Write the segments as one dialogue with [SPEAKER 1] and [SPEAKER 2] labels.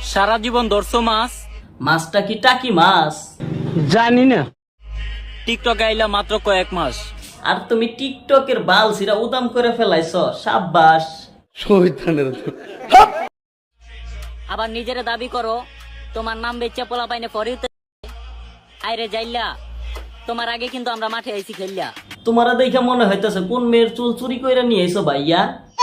[SPEAKER 1] সারা জীবন ধরছো মাছ,
[SPEAKER 2] মাছটা কি টাকি মাছ?
[SPEAKER 3] জানি না।
[SPEAKER 1] টিকটক আইলা মাত্র কয়েক মাস।
[SPEAKER 2] আর তুমি টিকটকের বাল সিরা উদাম করে ফেলাইছ, সাব্বাস।
[SPEAKER 3] শহীদানের
[SPEAKER 4] আবার নিজের দাবি করো তোমার নাম বেচে পোলা পাইনে ফরিতে আইরে যাইলা। তোমার আগে কিন্তু আমরা মাঠে আইছি খেললা।
[SPEAKER 2] তোমারা দেখে মনে হইতেছে কোন মেয়ের চুল চুরি কইরা নিয়ে আইছো ভাইয়া।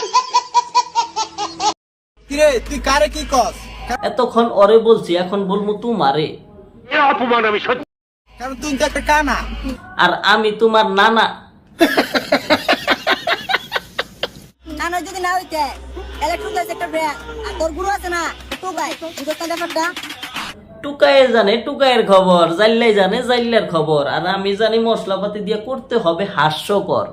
[SPEAKER 5] কিরে তুই কারে কি কস?
[SPEAKER 2] এতক্ষণ ওরে বলছি, এখন বলবো তোমারে।
[SPEAKER 5] কারণ তুই তো একটা কানা।
[SPEAKER 2] আর আমি তোমার নানা।
[SPEAKER 6] নানা যদি না হইতে ইলেকট্রিক একটা ব্র্যান্ড আর তোর গুরু আছে না তো ভাই বুঝতে ব্যাপারটা।
[SPEAKER 2] টুকায়ে জানে টুকায়ের খবর, জাইল্লাই জানে জাইল্লার খবর, আর আমি জানি মশলাপাতি দিয়ে করতে হবে হাস্যকর।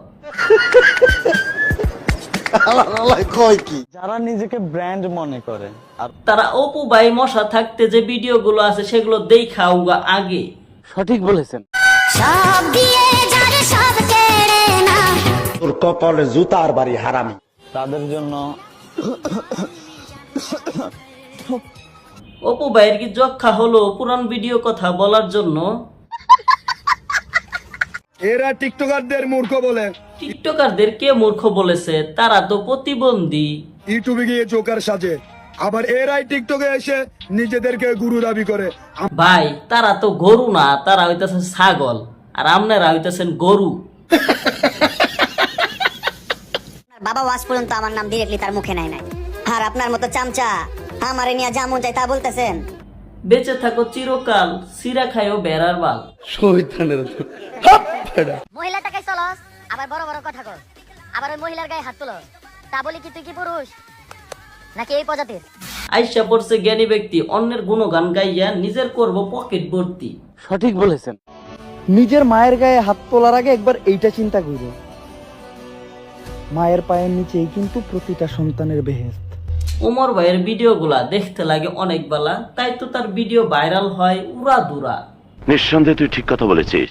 [SPEAKER 3] যারা নিজেকে ব্র্যান্ড মনে করে আর
[SPEAKER 2] তারা অপু ভাই মশা থাকতে যে ভিডিওগুলো আছে সেগুলো দেখাও আগে।
[SPEAKER 3] সঠিক বলেছেন।
[SPEAKER 6] সব দিয়ে যারে সব কেড়ে না
[SPEAKER 7] তোর কপালে জুতার বাড়ি হারামি।
[SPEAKER 3] তাদের জন্য
[SPEAKER 2] অপু ভাইয়ের কি যক্ষা হলো পুরান ভিডিও কথা বলার জন্য?
[SPEAKER 5] এরা টিকটকারদের মূর্খ বলে,
[SPEAKER 2] টিকটকারদের কে মূর্খ বলেছে? তারা তো প্রতিবন্ধী।
[SPEAKER 5] ইউটিউবে গিয়ে জোকার সাজে, আবার এরাই টিকটকে এসে নিজেদেরকে গুরু দাবি করে।
[SPEAKER 2] ভাই তারা তো গরু না, তারা হইতেছে ছাগল, আর আপনারা হইতেছেন গরু।
[SPEAKER 6] বাবা ওয়াজ পর্যন্ত আমার নাম ডিরেক্টলি তার মুখে নাই নাই, আর আপনার মতো চামচা আমারে নিয়ে যেমন চাই তা বলতেছেন।
[SPEAKER 2] বেঁচে থাকো চিরকাল, সিরা খাইও বেড়ার বাল।
[SPEAKER 3] শহীদানের
[SPEAKER 6] মহিলা টাকায় চলস, আবার বড় বড় কথা কর, আবার ওই মহিলার গায়ে হাত তুলো, তা বলি কি তুই কি পুরুষ নাকি এই প্রজাতির?
[SPEAKER 2] আইসা পড়ছে জ্ঞানী ব্যক্তি, অন্যের গুণগান গাইয়া নিজের করব পকেট ভর্তি।
[SPEAKER 3] সঠিক বলেছেন। নিজের মায়ের গায়ে হাত তোলার আগে একবার এইটা চিন্তা করো, মায়ের পায়ের নিচেই কিন্তু প্রতিটা সন্তানের বেহেশত।
[SPEAKER 2] ওমর ভাইয়ের ভিডিওগুলা দেখতে লাগে অনেক বেলা, তাই তো তার ভিডিও ভাইরাল হয় উড়া দুরা।
[SPEAKER 7] নিঃসন্দেহে তুই ঠিক কথা বলেছিস।